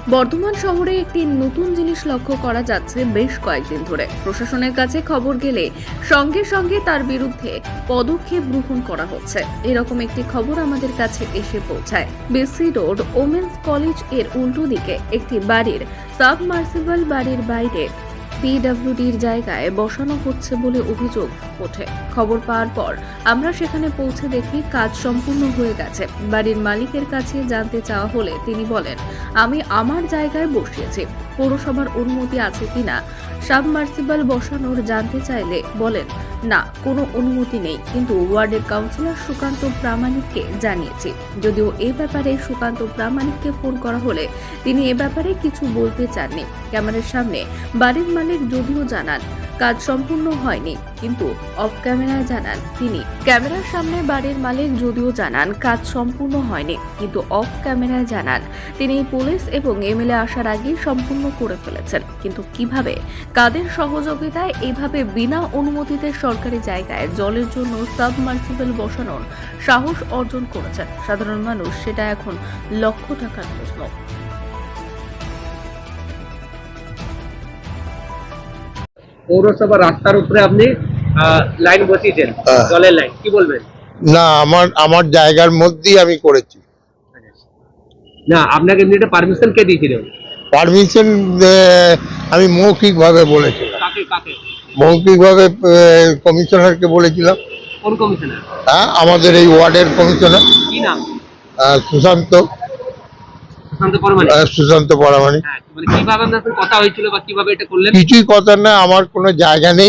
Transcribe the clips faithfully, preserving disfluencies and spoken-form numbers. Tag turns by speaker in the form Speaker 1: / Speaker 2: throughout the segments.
Speaker 1: বর্ধমান শহরে একটি নতুন জিনিস লক্ষ্য করা যাচ্ছে বেশ কয়েকদিন ধরে। প্রশাসনের কাছে খবর গেলে সঙ্গে সঙ্গে তার বিরুদ্ধে পদক্ষেপ গ্রহণ করা হচ্ছে। এরকম একটি খবর আমাদের কাছে এসে পৌঁছায়। বিসি রোড ওমেন্স কলেজ এর উল্টো দিকে একটি বাড়ির সাবমার্সিবল বাড়ির বাইরে পিডব্লিউডির জায়গায় বসানো হচ্ছে বলে অভিযোগ ওঠে। খবর পাওয়ার পর আমরা সেখানে পৌঁছে দেখি কাজ সম্পূর্ণ হয়ে গেছে। বাড়ির মালিকের কাছে জানতে চাওয়া হলে তিনি বলেন, আমি আমার জায়গায় বসিয়েছি, পৌরসভার অনুমতি আছে কিনা সাবমার্সিবল বসানোর জানতে চাইলে বলেন, না, কোনো অনুমতি নেই, কিন্তু ওয়ার্ডের কাউন্সিলর সুকান্ত প্রামাণিককে জানিয়েছি। যদিও এ ব্যাপারে সুকান্ত প্রামাণিককে ফোন করা হলে তিনি এ ব্যাপারে কিছু বলতে চাননি। ক্যামেরার সামনে বাড়ির মালিক যদিও জানান কাজ সম্পূর্ণ হয়নি, কিন্তু অফ ক্যামেরায় জানান তিনি ক্যামেরার সামনে বাড়ির মালিক যদিও জানান কাজ সম্পূর্ণ হয়নি, কিন্তু অফ ক্যামেরায় জানান তিনি পুলিশ এবং এমএলএ আসার আগেই সম্পূর্ণ করে ফেলেছেন। কিন্তু কিভাবে, কাদের সহযোগিতায় এভাবে বিনা অনুমতিতে সরকারি জায়গায় জলের জন্য সাবমার্সিবল বসানোর সাহস অর্জন করেছেন সাধারণ মানুষ, সেটা এখন লক্ষ টাকার প্রশ্ন।
Speaker 2: পৌরসভা রাস্তার উপরে আপনি লাইন বসিয়েছেন, জলের লাইন, কি বলবেন?
Speaker 3: না, আমার আমার জায়গার মধ্যেই আমি করেছি।
Speaker 2: না, আপনাকে এমনিতে পারমিশন কে দিয়েছিলেন?
Speaker 3: পারমিশন আমি মৌখিকভাবে বলেছিলাম।
Speaker 2: কাকে কাকে
Speaker 3: মৌখিকভাবে কমিশনারকে বলেছিলাম।
Speaker 2: কোন কমিশনার?
Speaker 3: হ্যাঁ, আমাদের এই ওয়ার্ডের কমিশনার।
Speaker 2: কি নাম?
Speaker 3: আহ, সুশান্ত
Speaker 2: সুশান্ত পরমাণিক।
Speaker 3: আহ, সুশান্ত পরামানিক।
Speaker 2: হ্যাঁ, মানে কিভাবে আপনার সাথে কথা হয়েছিল বা কিভাবে এটা করলেন?
Speaker 3: কিছুই কথা না, আমার কোনো জায়গা নেই,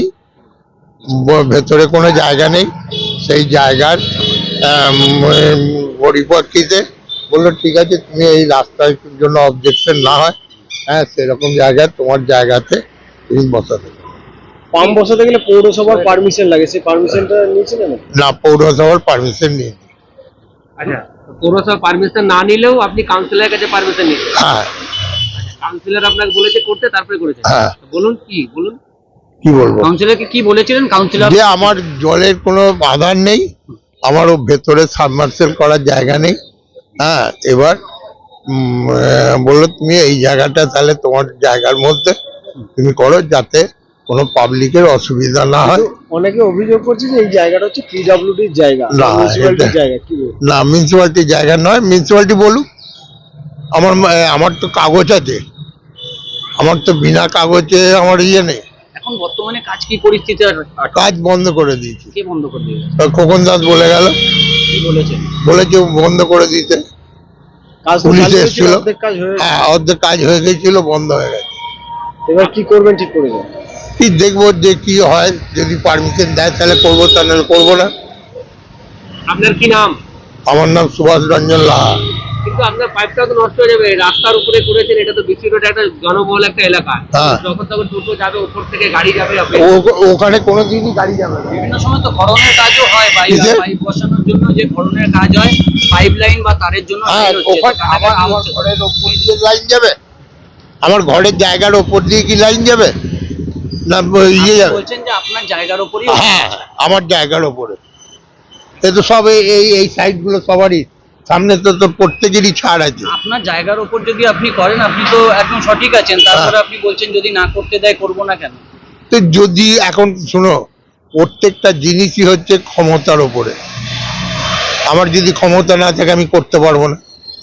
Speaker 3: ব- ভেতরে কোনো জায়গা নেই। সেই জায়গার আম, উম, পরিপ্রেক্ষিতে বললো, ঠিক আছে, তুমি এই রাস্তার জন্য অবজেকশন না হয়, হ্যাঁ, সেরকম জায়গায় তোমার জায়গাতে তুমি বসাতে পারো।
Speaker 4: পাম্প বসাতে গেলে পৌরসভার পারমিশন লাগে, সেই পারমিশনটা নিয়েছিলেন?
Speaker 3: না, পৌরসভার পারমিশন নিয়ে নি।
Speaker 2: আচ্ছা, পৌরসভা পারমিশন না নিলেও আপনি কাউন্সিলরের কাছে পারমিশন নিয়েছেন?
Speaker 3: হ্যাঁ
Speaker 2: কাউন্সিলর আপনাকে বলেছে করতে, তারপরে করেছেন?
Speaker 3: হ্যাঁ।
Speaker 2: বলুন কি বলুন
Speaker 3: কি বলবো,
Speaker 2: কাউন্সিলরকে কি বলেছিলেন? কাউন্সিলর
Speaker 3: যে আমার জলের কোনো আধার নেই, আমারও ভেতরে সাবমার্সেল করার জায়গা নেই। হ্যাঁ, এবার উম, আহ, বললো, তুমি এই জায়গাটা তাহলে তোমার জায়গার মধ্যে তুমি করো, যাতে কোনো পাবলিকের অসুবিধা না হয়।
Speaker 4: অনেকে অভিযোগ করছে যে এই জায়গাটা হচ্ছে পিডব্লিউডির জায়গা,
Speaker 3: না,
Speaker 4: মিউনিসিপ্যালিটির
Speaker 3: এটা-
Speaker 4: জায়গা। কি বলবো?
Speaker 3: না, মিউনিসিপ্যালিটির জায়গা নয়। মিউনিসিপ্যালিটি বলুক, আমার আহ, আমার তো কাগজ আছে, আমার তো বিনা কাগজে আমার ইয়ে নেই।
Speaker 2: এখন বর্তমানে কাজ কি পরিস্থিতি?
Speaker 3: কাজ বন্ধ করে দিয়েছি।
Speaker 2: কে বন্ধ করে দিয়েছে?
Speaker 3: খোকন দাস বলে গেল,
Speaker 2: কি বলেছেন?
Speaker 3: বলেছে বন্ধ করে দিতে।
Speaker 4: কাজ তো
Speaker 3: পুলিশ
Speaker 4: চালু হয়েছিল,
Speaker 3: এসেছিল।
Speaker 4: অর্ধেক কাজ হয়ে গেছে।
Speaker 3: হ্যাঁ, অর্ধেক কাজ হয়ে গেছিল, বন্ধ হয়ে গেছে।
Speaker 4: এবার কি করবেন ঠিক করেছেন?
Speaker 3: কি দেখবো যে কি হয়, যদি পারমিশন দেয় তাহলে করবো, তা নাহলে করবো না।
Speaker 2: আপনার কি নাম?
Speaker 3: আমার নাম সুভাষ রঞ্জন লাহা।
Speaker 2: কিন্তু আপনার পাইপটা তো নষ্ট হয়ে যাবে। রাস্তার উপরে করেছেন, এটা তো বিসি রোড একটা জনবহুল একটা এলাকা।
Speaker 3: হ্যাঁ।
Speaker 2: যখন তখন টোটো যাবে, উপর থেকে গাড়ি যাবে। আপনি
Speaker 3: ও- ওখানে কোনো দিনই গাড়ি যাবে না।
Speaker 2: বিভিন্ন সময় তো খননের কাজও হয়, পাইপ
Speaker 3: কিসের?
Speaker 2: পাইপ বসানোর জন্য যে খননের কাজ হয়, পাইপ লাইন বা তারের জন্য
Speaker 3: হ্যাঁ,
Speaker 2: লাইন হচ্ছে,
Speaker 3: ওখানে
Speaker 2: তো
Speaker 3: আমার
Speaker 2: কাটাকাটি
Speaker 3: আমার
Speaker 2: হচ্ছে।
Speaker 3: ঘরের ওপর দিয়ে লাইন যাবে? আমার ঘরের জায়গার ওপর দিয়ে কি লাইন যাবে? না, ইয়ে
Speaker 2: আপনি
Speaker 3: যাবে?
Speaker 2: বলছেন যে আপনার জায়গার উপরই
Speaker 3: হ্যাঁ, আমার জায়গার ওপরে। এ তো সব এই এই- এই সাইড গুলো সবারই, সামনে তো তো প্রত্যেকেরই ছাড় আছে।
Speaker 2: আপনার জায়গার উপর যদি আপনি করেন, আপনি তো একদম সঠিক আছেন। তারপরে আপনি বলছেন যদি না করতে দেয় করবো না কেন?
Speaker 3: তো যদি এখন শোনো, প্রত্যেকটা জিনিসই হচ্ছে ক্ষমতার ওপরে। আমার যদি ক্ষমতা না থাকে আমি করতে পারবো না।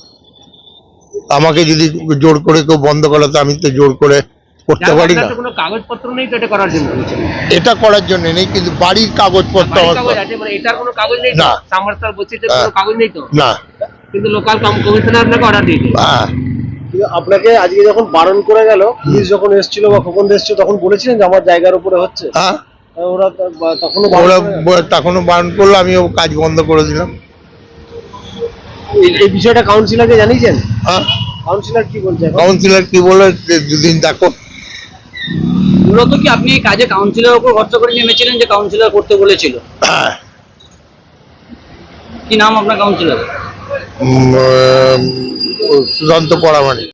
Speaker 3: আমাকে যদি জোর করে কেউ বন্ধ করে, তো আমি তো জোর করে করতে পারি না।
Speaker 2: কোনো কাগজপত্র নেই তো এটা করার জন্য?
Speaker 3: এটা করার জন্য নেই, কিন্তু বাড়ির কাগজপত্র আমার
Speaker 2: কাগজ আছে, মানে এটার কোনো কাগজ নেই?
Speaker 3: না।
Speaker 2: সামার্সাল বসিতে
Speaker 3: হ্যাঁ।
Speaker 2: কোনো কাগজ নেই তো?
Speaker 3: না।
Speaker 2: কিন্তু লোকাল কমিশনার আপনাকে অর্ডার দিয়েছে।
Speaker 3: হ্যাঁ,
Speaker 4: কিন্তু আপনাকে আজকে যখন বারণ করে গেল, পুলিশ যখন এসেছিল বা খোকন এসেছিল, তখন বলেছিলেন যে আমার জায়গার উপরে হচ্ছে?
Speaker 3: হ্যাঁ,
Speaker 4: তা ওরা তা- বা- তখনও বারণ
Speaker 3: ওরা
Speaker 4: করে গেল?
Speaker 3: ব- তখনও বারণ করলো, আমিও কাজ বন্ধ করে দিলাম।
Speaker 4: এই- এই বিষয়টা কাউন্সিলরকে জানিয়েছেন?
Speaker 3: হ্যাঁ,
Speaker 4: কাউন্সিলর কি বলছে এখন?
Speaker 3: কাউন্সিলর কি বলে, যে দুদিন দেখো।
Speaker 2: মূলত কি আপনি এই কাজে কাউন্সিলর উপর ভরসা করে নেমেছিলেন যে কাউন্সিলর করতে বলেছিল?
Speaker 3: হ্যাঁ,
Speaker 2: কি নাম আপনার কাউন্সিলর?
Speaker 3: উম, আহ, সুশান্ত পরামানিক।